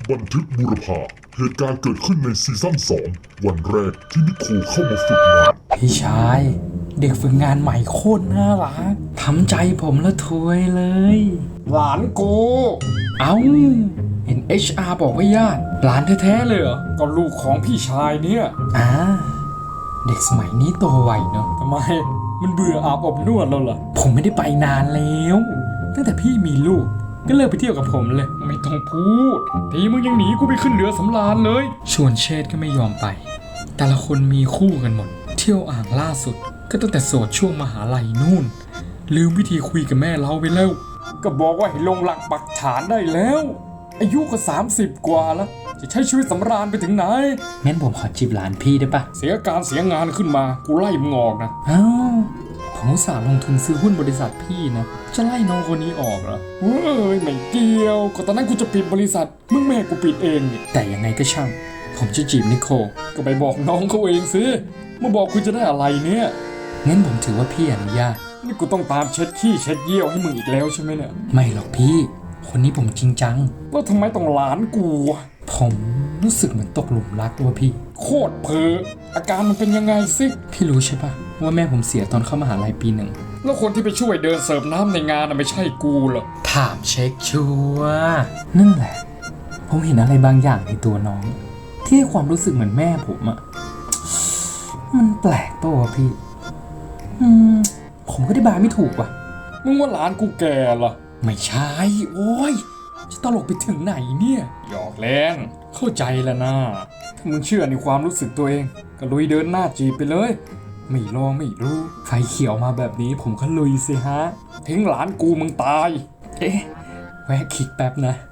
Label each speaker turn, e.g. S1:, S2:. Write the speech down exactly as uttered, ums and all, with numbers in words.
S1: บันทึกบุรพาเหตุการณ์เกิดขึ้นในซีซั่นสองวันแรกที่นิโคลเข้ามาฝึกงาน
S2: พี่ชายเด็กฝึกงานใหม่โคตรน่ารักทำใจผมละทวยเลยหลานกูเอ้าเห็น เอช อาร์ บอกว่าญาติหลานแท้ๆเลยเหรอก็ลูกของพี่ชายเนี่ยอ่าเด็กสมัยนี้โตไวเนาะทำไมมันเบื่ออาบอบนวดแล้วเหรอผมไม่ได้ไปนานแล้วตั้งแต่พี่มีลูกก็เลิกไปเที่ยวกับผมเลยไม่ต้องพูดทีมึงยังหนีกูไปขึ้นเรือสำราญเลยชวนเชษก็ไม่ยอมไปแต่ละคนมีคู่กันหมดเที่ยวอ่างล่าสุดก็ตั้งแต่โสดช่วงมหาลัยนู่นลืมวิธีคุยกับแม่เราไปแล้วก็บอกว่าให้ลงหลักปักฐานได้แล้วอายุก็สามสิบกว่าแล้วจะใช้ชีวิตสำราญไปถึงไหนงั้นผมขอจีบหลานพี่ได้ปะเสียการเสียงานขึ้นมากูไล่มึงออกนะอ้าวผมอุตส่าห์ลงทุนซื้อหุ้นบริษัทพี่นะจะไล่น้องคนนี้ออกเหรอเฮ้ยไม่เกี่ยวก็ตอนนั้นกูจะปิดบริษัทมึงแม่กูปิดเองนี่แต่ยังไงก็ช่างผมจะจีบนิโคลก็ไปบอกน้องเขาเองสิมาบอกคุณจะได้อะไรเนี่ยงั้นผมถือว่าพี่อนุญาตนี่กูต้องตามเช็ดขี้เช็ดเยี่ยวให้มึงอีกแล้วใช่ไหมเนี่ยไม่หรอกพี่คนนี้ผมจริงจังแล้วทำไมต้องหลานกูผมรู้สึกเหมือนตกหลุมรักตัวพี่โคตรเพ้ออาการมันเป็นยังไงสิพี่รู้ใช่ปะว่าแม่ผมเสียตอนเข้ามหาลัยปีหนึ่งแล้วคนที่ไปช่วยเดินเสิร์ฟน้ำในงานน่ะไม่ใช่กูเหรอถามเช็คชัวร์นั่นแหละผมเห็นอะไรบางอย่างในตัวน้องที่ให้ความรู้สึกเหมือนแม่ผมอะมันแปลกปะวะพี่อืมผมก็ได้บายไม่ถูกว่ะมึงว่าหลานกูแก่เหรอไม่ใช่โอ้ยจะตลกไปถึงไหนเนี่ยหยอกเล่นเข้าใจแล้วนะถ้ามึงเชื่อในความรู้สึกตัวเองก็ลุยเดินหน้าจีบไปเลยไม่ลองไม่รู้ไฟเขียวมาแบบนี้ผมก็ลุยสิฮะทิ้งหลานกูมึงตายเอ๊ะแวะคิดแป๊บนะ